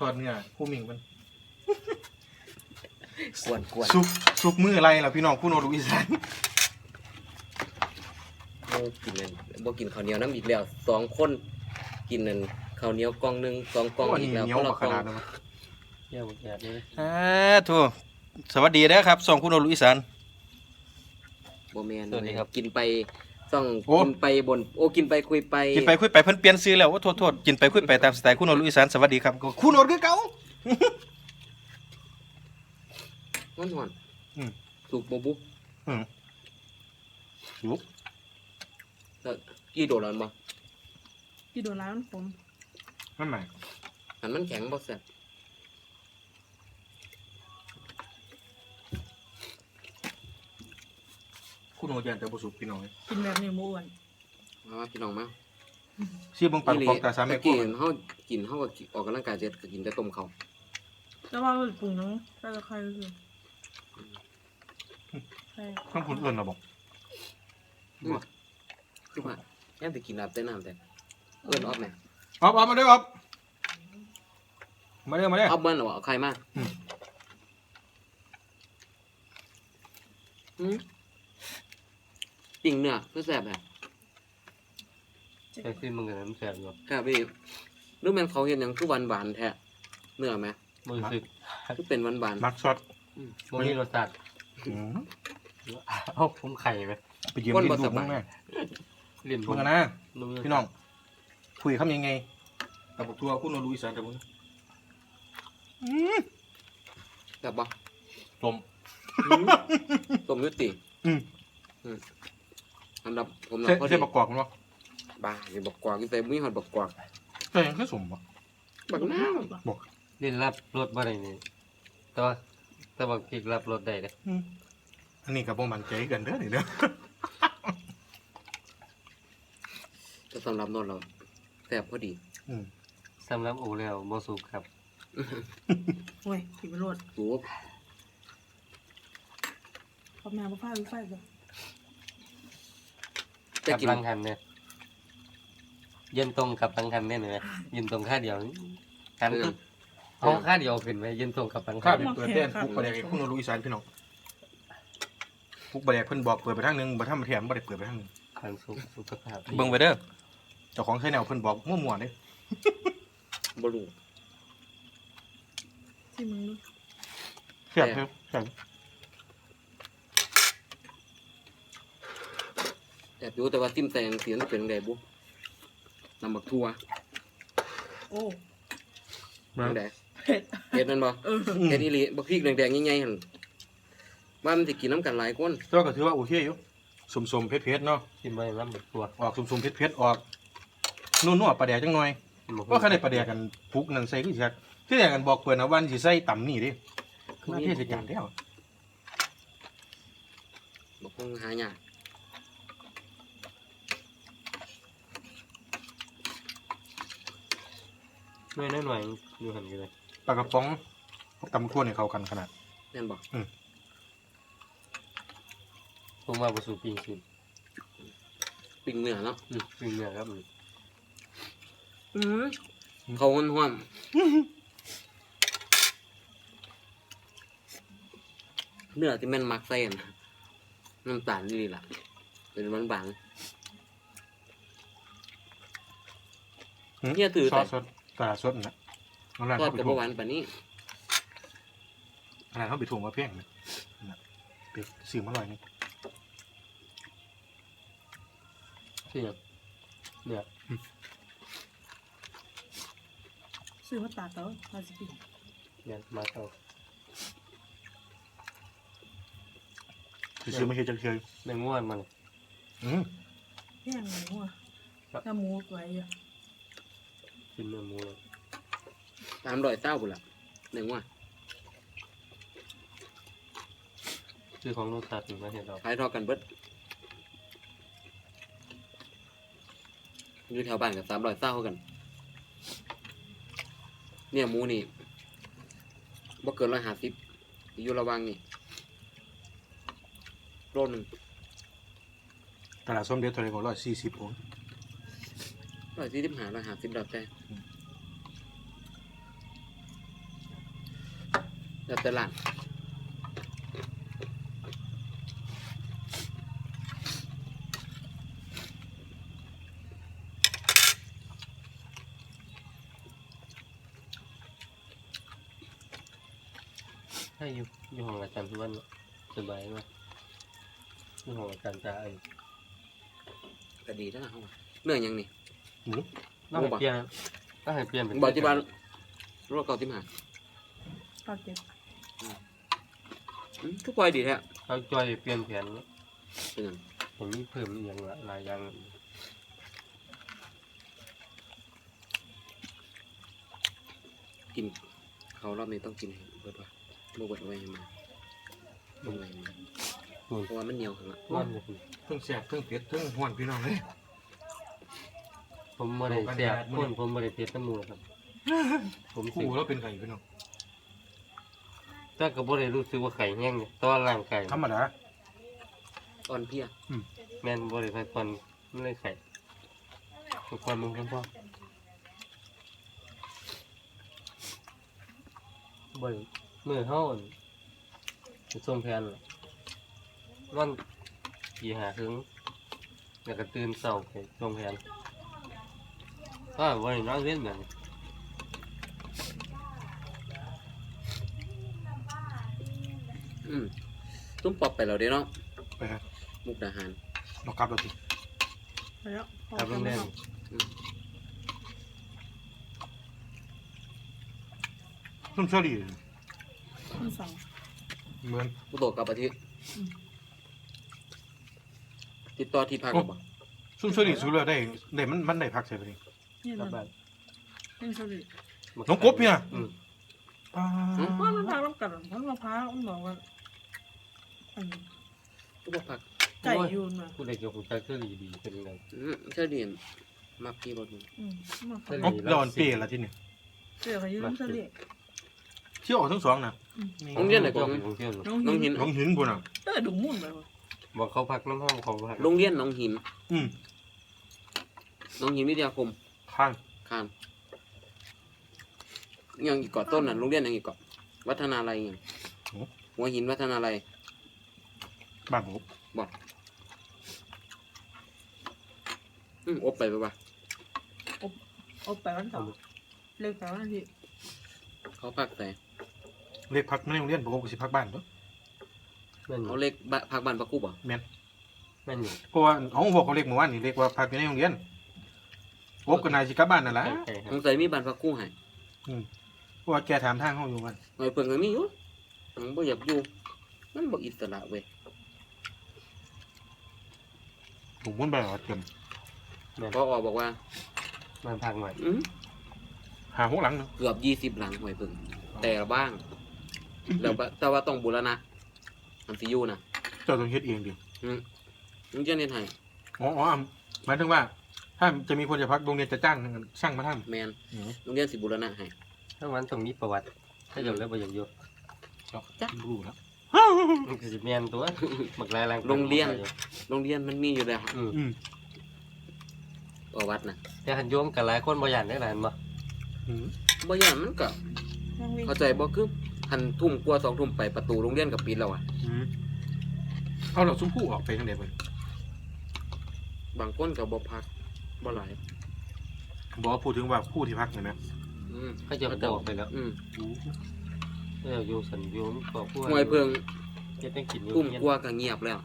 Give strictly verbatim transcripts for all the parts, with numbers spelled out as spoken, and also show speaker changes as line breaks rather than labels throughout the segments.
อดเนื้อคู่มิงมัน
กวนกวน
ซุปซุปมืออะไรล่ะพี่น้องคู่โนรุอีสาน
โอ้กินนั่นบ่กินข้าวเหนียวน้ำอีกแล้วสองคนกินนั่นข้าวเหนียวกล่องหนึงสองกล่อง
โอ้
อี
นี่
กแล้ว
เหนียว
คน
ก
ละ
ว่าก ข
ล่อง
นาดนั้น
เยี่ยมแย่เลย
อ่าทูสวัสดีนะครับสองคู่โนรุอีสาน
บ่แม่นกินไปต้อง
โอ้
กินไปบนโอ้กินไปคุยไป
กินไปคุยไปเพิ่นเปลี่ยนซื้อแล้วว่าโทษโทษกินไปคุยไปตามสไตล์คู่โนรุอีสานสวัสดีครับก็คู่โนรุคือเก่า
ฮ้อน
อืม
ๆสุกบ่บุ
อืมลุก
แล้วกี่โดดแล้วบ่
กี่โดนร้านผม
นั่นไหน
อันมันแข็งบ่แซ่บ
คู่โนยันแต่บ่สุกพี่น้อง
กินแบบนี้ม้วน
มาว่าพี่น้องมา
ชื่อเบิ่งปันของตาสามแม่
ตะ
คู่
กี้เฮากินเฮาก็ออกกำลังกายเสร็จก็กินแต่ต้มข้าว
แต่ว่าปรุงน้องใส่ตะไคร้คือใช่
ข้างคุณเอิ้นน่ะบ่
คือว่าแค่สิกินน้ำแต่น้ำแต่เอิ้นออกแหน่
ออบออบมาเด้อออบมาเด้อมาเด้อ
เอาเบิ้ลหรอเอาใครมาอืมปิ่งเนื้อเพื่อแซ่บแบบ
ไอ้ที่มึงกับน้ำแสบอยู่
ครับพี่หรือแมันเขาเห็นอย่างคือหวานหวานๆแท้เนื้อไหม
มึงรู้สึก
คือเป็นหวานหวาน
มักซอส
มึงมีรสชาติ
อืม
เอาผมไข่ไหม
ไปยืมดินดูมึงแม่
ลิ้นผ
มึ
ม
งกันนะ
มึง
พี่น้องคุยคำยังไงกับพวกทัวร์คู่โนรุอีสานแต่มึงอืม
ๆแบบบ่
ลม
อืมต้มยุติ
อืม
อันดับผม
ใช่
นะพอดี
ใช่ประกอบมั้งวะ
บ้าอย่าบอกกวางกินใส่มุ้ยหอดบอกกวาง
ใช่ยังคือสมวะ
บักน้าว
ลิ้นรับรสบ่ได้นี่แต่ว่าแต่ว่าพริกรับรสได้เลย
อืมอันนี้กับพวกมันใจกันเด้อนี่เด้อ
จะสำหรับนนท์เราแซ่บพอดี
อืม
สำหรับอูแล้วบ่สุกครับ
โอ้ยกินไปโลด
สูบ
พอมาพอฟ้าหรือไฟจ้ะ
จะ
กับ
กิน
ลังคันเนี่ยเย็นตรงกับลังคันเนี่ยเลยยืนตรงค่าเดียวคันคือเอาค่าเดียวขึ้นไปยืนตรงกับลัง
ข้า
คัน
วเปิดเต้นปุ๊กประเดี๋ยวคู่โนรุอีสานพี่น้องปุ๊กประเดี๋ยวเพิ่นบอกเปิดไปทางหนึงบ่ทำแถมบ่ได้เปิดไปทางหนึง
คันสุขสุขภาพ
เบิ่งไปเด้อเจ้าของใช้แนวเพิ่นบอกมั่วๆเด้
บลู
ที่มึงดู
แซ่บเด้อแซ่บ
แอบอยู่แต่ว่าติ้มแตงเสียงเป็นไงบุนำบักทัว
โอ้
เป็นไง
เผ็ด
เห็ดนั่นบ่
เออ
เห็ดอีหลีบักพริกแดงๆใหญ่ๆหั่นว่ามันสิกินน้ำกันหลายคน
แต่ว่าก็ถือว่าโอเคอยู่สมๆเผ็ดๆเนาะ
กินไปน้ำแบบตัว
ออกสมๆเผ็ดๆออกนุ่นๆปลาแดกจังหน่อยว่าคันได้ปลาแดกกันพุกนั่นใส่คือสิครับที่แรกกันบอกเพิ่นนะวันสิใส่ต่ำนี่เด้คือเทศกาลแล้ว
บักคงหายาก
หน่วยหน่อยๆอยู่หันกันเลย
ปลากระป๋องตำคั่วเนี่ยเข้ากันขนาด
แม่นบ่
ผมว่าบ่สุกจริง
ปิ้งเนื้อเนาะ
ๆอืมเป็นเนื้อครับ
อือเขาห้อนๆเนื้อที่แม่นมักใส่หั่นน้ำตาลนี่ล่ะเป็นหวานบางเนี่ยถือ
ซอ
แต่
สสดตลาดสดนะน้องร้าน
ทอด
เขาไป
กับ
ถ่วง
หวานปานนี้
ร้านเขาไปถ่วงมาเพียงนะนะไปซื้อมาหน่อยนึง
เสียบเนี่ย
ซื้อมาตากเขามาสิกิน
เนี่ยมาเอา
ซื้อมาเฮ็ดจังเคย
เนื้อง่วนมัน
อืม
แห้งหมูอ่ะถ้าหมูไว้อ่ะ
กินเนื้อหมูเลย
ตามรอยเต้าพุ่นล่ะหนึ่งว่า
ชื่อของรสชาติมาเห็นเรา
ขายทอดกันเบิดอยู่แถวบ้านกับสามรอยเต้ากัน เนี่ยหมูนี่บ่เกินร้อยห้าสิบอยู่ระหวังนี่โลหนึง
ตลาดส้มเด็ดเท่าไหร่ก็ร้อยสี่สิบผม
ร้อยสี่สิบห้าร้อยห้าสิบดอกแต่แล้วแต่ร้าน
ให้อยู่อยู่ห้องอาจารย์ทุกวันสบายมากอยู่ห้องอาจารย์จะไอ้
ก็ดีแล้วนะเฮาเนื้อหยังนี่
หมู
ต้องให้เปลี่ยนต้องให้เปลี่ยนเป็น
บ่ที่บ้านรถเก่าที่มา
ข้าวเก็บ
อืมทุกปล่อยดีแท้
เขาจอยเปลี่ยนแผน
เป็นหยัง
ผมมีเพิ่มอีกอย่างละหลายอย่าง
กินเขาวรอบนี้ต้องกินให้เบิดว่ะบ่เบิดเอาไว้ให้มาบ่ไว้ให้มาเพราะว่ามันเหนียวขึ้นละ
นั่นเลย
เพิ่งแซ่บเพิ่งเผ็ดเพิ่งห้วนพี่น้องเลย
ผมไม่ได้แสบคนผมไม่ได้เพชรน้ำมูกครับผมสิ
คู่แล้วเป็นไก่พี่น้อง
แต่ก็บ่ได้รู้สึกว่าไข่แห้งเนี่ยตอนร่างกาย
ธรรมดา
อ่อนเพลีย
แม่นบ่ได้พักผ่อนมันเลยไข่ทุกคนมึงพ่อบ่ได้มื้อเฮาไปส่งแผนวันกี่หาถึงแล้วก็ตื่นเช้าไปส่งแผนก็บ่ได้นอนเว้นแบบนี้
อืมตุ้มปอบไปแล้วเด้เนาะ
ไปครับ
มุกดาหาร
เรากลับเราสิ
ไปแล้วพอ
ครับ
กั
โร
น
ง
ไหม
เรียน
ครับ
ซุ่มเชอรี่
ทั้งสอง
เหมือน
ผู้โตกลับประเทศ
อืม
ติดต่อที่พักกับบ่
ซุ่มเชอรี่สุดเลยได้ได้มันมันได้พักใช่ไหมนี่
นี่
กลั
มั
บ
น
บ้าน
นี่สลิด
น้องกบเนี่ย
อืม
ป้า
ว่ามันพาน้ำกัดมันมาพามันบอกว่าอัน
ก็บ่พัก
ไก่ยูนมา
ผู้ใดเกี่ยวกับใจคือดีๆเป็นไง
อืมเชื่อดีมักกี่รถมึง
อืมมาพา
สลิ
เอ้าเราอ่อนเปรี้ยละที่นี่
เจอเขายืนสลิด
เที่ยวออกทั้งสองนะ
โรงเรียนไหน
ก็
ก็
โรงเรียน
น้อง
น้อง
หิ
หิ
น
น
น้องหินบุญอ่ะ
เออดุมุ่นไปวะ
บอกเขาพักน้ำห้องเขาพัก
โรงเรียนหน้องหิน
อืม
หน้องหินวิทยาคม
ข้าง
คานยังอีกเกาะต้นน่ะโรงเรียนยังอีกเกาะวัฒนาลัยยังหัวหินวัฒนาลัย
บ้านผม
บ่อืมอบไปไปป่ะ
เอาไปวันเสาร์เลิกไปวันอาทิตย์
เขาพักแต่
เล็กพักไม่ได้โรงเรียนผมก็สิพักบ้านเนาะ
แม่นอ
เขา
ยู่
เล็กบะพักบ้านปะกูบ่
แม่น
แม่นอยู่
เพราะว่าเอาบอกเขาเล็กเมื่อวานนี่เล็กว่าพักอยู่ในโรงเรียนโอ๊บกับนายสิกลับบ้านนั่นแหละ
ใกล้ๆค
ส
รับ
งสัยมีบ้านปะกูให้
เพราะว่าแกถามทางเขาอยู่มัน
หน่อยเพิ่งก็มีอยู่มันบ่อยากอยู่มันบ่อิสระเว้ย
ผมมุ่นไปหรอเต็ม
แม่น
พออบอกว่า
มันพักหน่อย
อืม
หาหกหลังเนาะ
เกือบยี่สิบหลังหน่อยเพิ่งแต่ละบ้างแล้วบะแต่ว่าต้องบูรณะมันสิอยู่นะ
เจ้าต้องเฮ็ดเองดิ
อืมมึงจะเรียนให้
อ๋ออ๋อหมายถึงว่า ถ้าจะมีคนจะพักโรงเรียนจะจ้างช่างมาท
แมน
ำอืม
โรงเรียนสิบูรณะให้
ถ้าวันต้องมีประวัติ ถ้าเกิดแล้วบ่อยากอยู่
จ้ะรู้แล้ว
มันก็สิแม่นตัวบักหลายแรง
โรงเรียน โรงเรียนมันมีอยู่แล้ว
อืม
อืม
ประวัตินะ
แต่หันโยมกับหลายคนบ่ย่านได้หลานบ่
อืม
บ่อย่างมันก็
นั่งวิ่ง
เข้าใจบ่คือหันทุ่มกว่าสองทุ่มไปประตูโรงเรียนกับปิดแล้วอ่ะ
อืมเอาเราซุ้มผู้ออกไปทางไหนไป
บางคนก็บ่พักบ่หลาย
บอกว่าพูดถึงว่าผู้ที่พักเห็นไหม
อืม
เขาจะบอกไปแล้ว
อืม
เอออยู่สันโยมก็พวก
หวยเพิง
จะต้องกินอยู่
ทุ่ม
เฮียน
กว่าก็เงียบแล้ว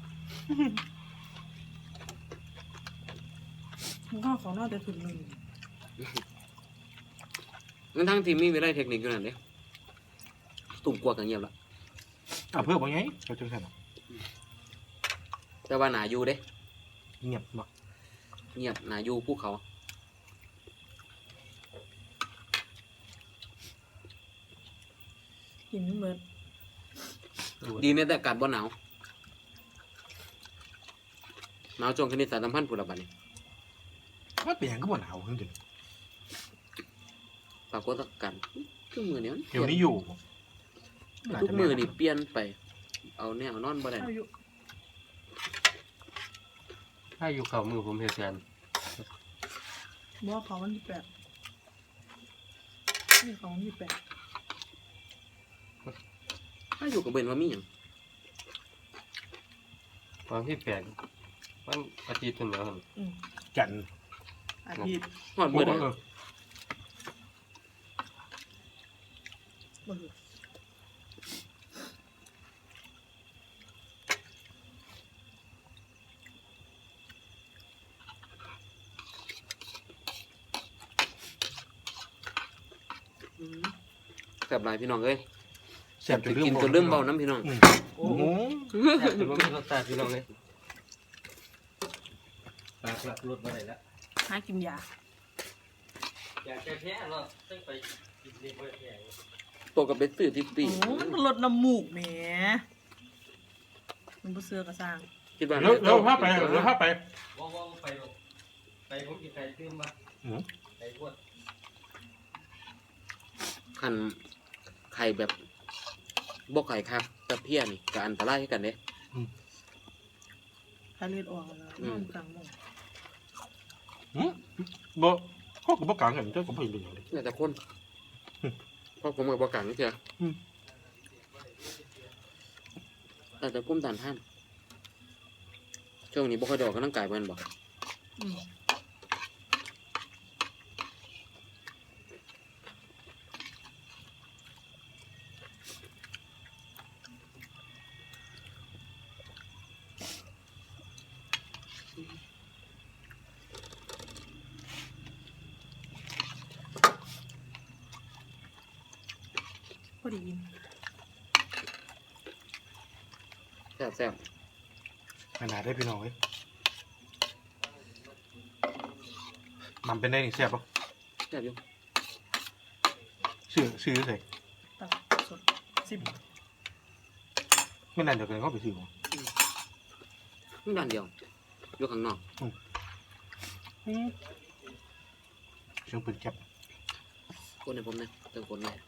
มันข้าวของน่าจะถึงหนึ่ง
งั้นทั้งทีมมีวิไลเทคนิคอยู่นั่นเด้ทุ่มกว่าก็เงียบแล้ว
อ่ะเพื่อบอกไงเขาจังสัน
แต่ว่าหนาอยู่เด้
เงียบเนาะ
เงียบหนาอยู่ภูเขา
กินเหมือน
ดีในแต่อากาศบ่หนาวหนาวจงคณิตศาสตร์สัมพันธ์ผู้ละบัดนี้
มันเป็นอย่างก็บ่หนาวขึ้นจริง
ปรากฏการณ์ทุกมือเนี้ย
เดี๋ยวนี้อยู่
ทุกมือนี่เปลี่ยนไป เอาแนวนอนบ่ได้
อายุ
ถ้าอยู่เขามือผมเฮ็ดงาน
บอกเขาวันที่แปดนี่เขาวันที่แปด
ถ้าอยู่กับเบนว่ามีหยัง
ตอนที่แปดมันอาทิตย์ถึงแล้วหั่น
อืม
จัน
อาทิตย์
ฮอด
โอ้
เบิด
เอ
อะ
อ
บ่รู้
อืมแซ่บหลายพี่น้องเอ้ย
แซ่บจนลืม
กินจนลืมเบาน้ำพี่น้อง
อืม
โอ้
โอ้
โห
โห
แซ่บจนบ่มีรสชาติพี่น้องเลยปากหลับรสบ่ได้แล้ว
หากินยา
อยากแก้แพ้เนาะต้องไปกินดีบ่แพ้
ตัวกับเบ็ดซื้อที่ปี
โอ้มันลดน้ำมูกแหมมันบ่เสือกระสร้าง
คิดว่า
เร็วเร็วพาไปเร็วพาไป
ว่าว่าไปหรอกไปผมกินไก่ตื้มมา
อืม
ไก่พวด
คันไข่แบบบ่ไข่ครับตะเพียนี่ก็อันตรายให้กันเด้
ถ้าเลือดออกแล้ว
อื
น
ม
อนกลางมุ้ง
อืมบ่เขาก็บ่กลางกันเจ้าก็บ่เห็นเป็นหยังเลย
น่าจะคนเพราะผมกับบ่กังนี่เจ้า
อืม
อาจจะกุ้มตานท่านช่วงนี้บ่ค่อยได้ออกกำลังกายเพิ่นบ่
อืม พอดีกิน
แซ่บแซ่บ
ขนาดได้พี่น้องเอ้ยมันเป็นได้นี่แซ่บปะ
แซ่บอยู่
ชื่อชื่อใส่
ตักสดสิบ
ไม่นานเดี๋ยวกันเขาไปซื้อมา
นี่ด้านเดียวอยู่ข้างนอก
อืมเชียงปืนแคบ
คนให้ผมนะเติมคนหน่อย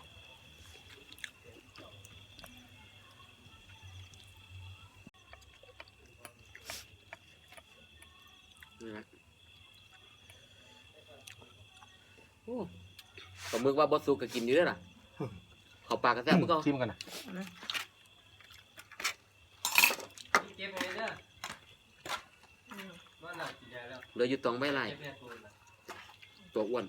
นี่นะโอ้ปลาหมึกว่าบอสุกก็กินอยู่เด้วยล่ะเขาปลากกระแซ่บมึงก็
ชิมกันนะ
เอานะ
เก็บไว้เด้อ
อืม
ว่าหนักกินยาแล้ว
เหลืออยู่ตองใบไล่
เก็บแม่ตัวน่ะ
ตัวอ้วน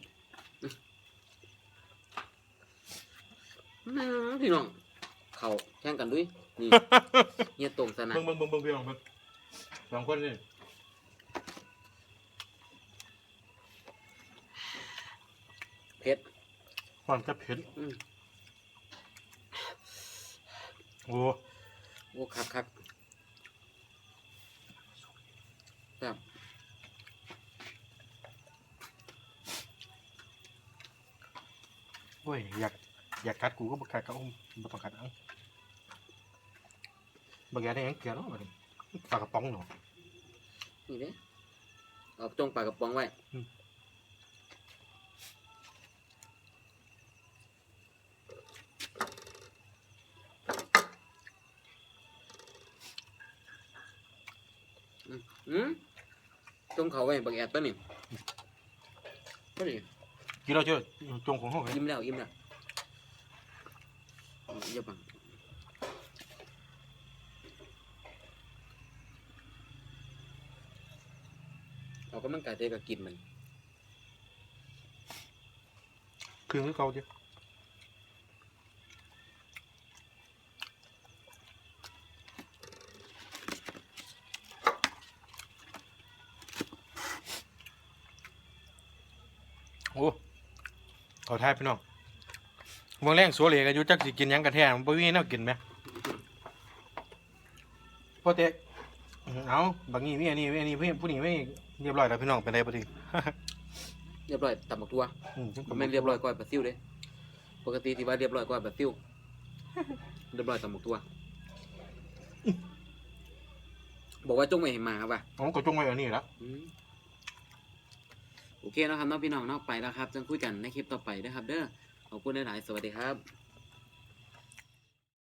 อื้อพี่น้อง เขาแข่งกันด้วย นี่เฮียตรงสนะ
เบิ่งเบิ่งเบิ่งเบิ่งพี่น้องเบิ่งสองคนนี่
เผ็ด
ความจะเผ็ด
อืม
โอ้
โอ้คักคักแบบ
โอ้ยอยากอยากกัดกูก็บ่กัดก็บ่ต้องกัดเอ้าบ่แกได้หยังเกลือเนาะบัดนี้ปลากระป๋องเนาะ
นี่เด้เอาจงปลากระป๋องไว้
อืม
อืมจงเขาไว้บักแอดตัวนี้ก็ดี
กินเราเจอจงของเฮาไง
ยิ้มแล้วยิ้มแล้วอย่าบังเอากำลังกายเทกับกินมัน
คือคือเก่าเด้โอ้ขอทายพี่น้องเมืองแรงสัวเหลกันอยู่จักสิกินหยังกันแท้มันบ่มีแนวกินไหมพ่อเต๊กเอาบางนี้มีอันนี้มีอันนี้เพื่อนผู้นี้ไม่เรียบร้อยแล้วพี่น้องเป็นไรบ่ดี
เรียบร้อยตำบักตัว
อืม
ผมไม่นเรียบร้อยก้อยปลาซิวเด้ปกติที่ว่าเรียบร้อยก้อยปลาซิวเรียบร้อยตำบักตัว บอกว่าจงไม่ให้มาครับว่ะ
ผมก็จงไว้อันนี้ละ
อืมโอเคนะครับน้องพี่น้องเนอกไปแล้วครับจะคุยกันในคลิปต่อไปนะครับ เด้อขอบคุณหลายๆสวัสดีครับ